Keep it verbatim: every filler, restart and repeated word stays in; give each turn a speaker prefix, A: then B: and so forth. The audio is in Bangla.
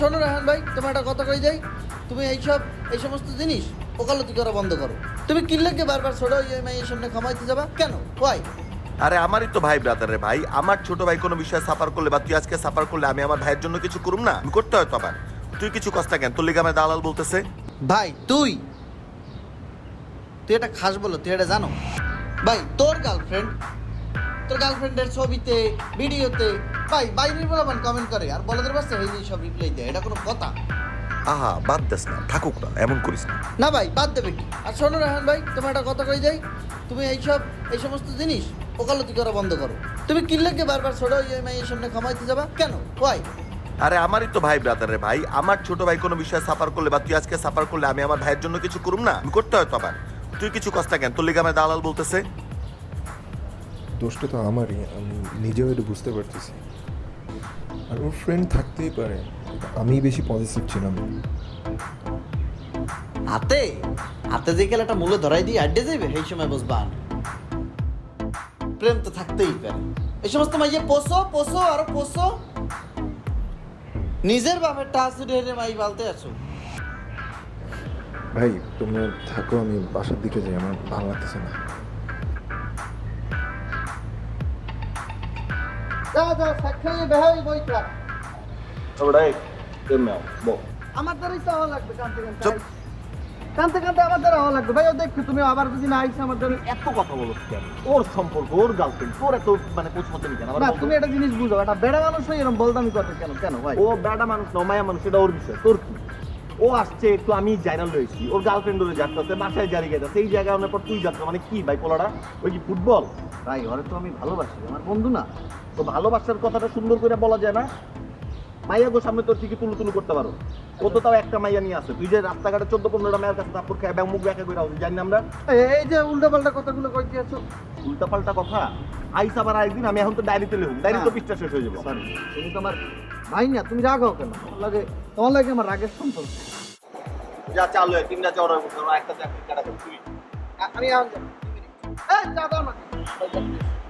A: শোনো রাহান ভাই, তোমার একটা কথা কই যাই, তুমি এইসব এই সমস্ত জিনিস ওকালতি করা বন্ধ করো। তুমি কিনলে বারবার ছোট ইএমআই এর সামনে খামাইতে যাবা কেন? ওয়াই?
B: আরে আমারই তো ভাই ব্রাদার রে ভাই, আমার ছোট ভাই কোনো বিষয়ে সাফার করলে বা তুই আজকে সাফার করলে আমি আমার ভাইয়ের জন্য কিছু করুম না? আমি করতে হয় তো আবার। তুই কিছু কষ্ট কেন? তোর লিগে আমার দালাল বলতেছে।
A: ভাই তুই তুই এটা খাস বলো, তুই এটা জানো? ভাই তোর গার্লফ্রেন্ড তোর গার্লফ্রেন্ডের ছবিতে ভিডিওতে ভাই বাইরের বলাবান কমেন্ট করে আর বলাদের বাসে এই সব রিপ্লাই দেয়, এটা কোনো কথা?
B: আহা বাদ দেস না, থাকুক না, এমন করিস না।
A: না ভাই বাদ দেবে কি? আর শোনো রাহান ভাই, তোমার একটা কথা কই যাই, তুমি এইসব এই সমস্ত জিনিস ওকালতি করা বন্ধ করো। তুমি কিনলে বারবার ছোট ইএমআই এর সামনে খামাইতে যাবা কেন? ওয়াই?
B: আরে আমারই তো ভাই ব্রাদার রে ভাই, আমার ছোট ভাই কোনো বিষয়ে সাফার করলে বা তুই আজকে সাফার করলে আমি আমার ভাইয়ের জন্য কিছু করুম না? আমি করতে হয় তো আবার। তুই কিছু কষ্ট কেন? তোর লিগে আমার দালাল বলতেছে।
C: দোষটা তো আমারই, আমি নিজেও এটা বুঝতে পারতেছি। আর ওর ফ্রেন্ড থাকতেই পারে, আমি বেশি পজিটিভ ছিলাম।
A: হাতে হাতে যে খেলাটা মূল্য ধরাই দিয়ে আড্ডে যাইবে সেই সময় বুঝবান প্রেম তো থাকতেই পারে। এই সমস্ত মাইয়ে পোষো পোষো আরো পোষো, নিজের বাপের টাচুরি হেরে মাই বালতে আছো।
C: ভাই তোমরা থাকো, আমি বাসার দিকে যাই, আমার ভালো লাগতেছে না।
A: যা যা সাক্ষাৎ বেহাই বইটা আমার দ্বারাই তো হওয়া লাগবে, কানতে কানতে
B: চুপ।
A: কানতে কানতে আমার দ্বারা হওয়া লাগবে। ভাই ও দেখো তুমি আবার যদি না আইসে আমার দ্বারা
D: এত কথা বলো কেন? ওর সম্পর্ক, ওর গার্লফ্রেন্ড, তোর এত মানে পৌঁছাতে কেন?
A: না, তুমি একটা জিনিস বুঝো, একটা বেড়া মানুষ হয়ে এরকম বলদামি করতে কেন? কেন ভাই?
D: ও বেটা মানুষ না, মায়া মানুষ, এটা ওর বিষয়। তোর কি? ও আসছে একটু, আমি জাইনাল রয়েছি, ওর গার্লফ্রেন্ড ওরে যাচ্ছে, বাসায় জারি গেছে, সেই জায়গায় অনেক পর তুই যাচ্ছ, মানে কি ভাই পোলাটা? ওই কি ফুটবল? ভাই ওরে তো আমি ভালোবাসি, আমার বন্ধু না। তো ভালোবাসার কথাটা সুন্দর করে বলা যায় না? মাইয়া গো সামনে তোর ঠিকই তুলু তুলু করতে পারো। ও তো তাও একটা মাইয়া নিয়ে আসে, তুই যে রাস্তাঘাটে চোদ্দ পনেরোটা মায়ের কাছে তারপর খেয়ে ব্যাং মুখ ব্যাখ্যা করে আসি, জানি না আমরা?
A: এই যে উল্টা পাল্টা কথাগুলো কইতে আছো।
D: উল্টা পাল্টা কথা আইস আবার আরেকদিন। আমি এখন তো ডায়েরিতে লিখুন, ডায়েরি তো পৃষ্ঠা শেষ হয়ে যাবো।
A: সরি, তুমি তো আমার ভাই না, তুমি রাগ হও কেন? তোমার লাগে তোমার লাগে আমার রাগের সম্পর্ক।
D: যা চালু হয় তিনটা চড়ার মধ্যে একটা চাকরি কাটা করছি।
A: আমি এখন যাবো। এই চা দাও না।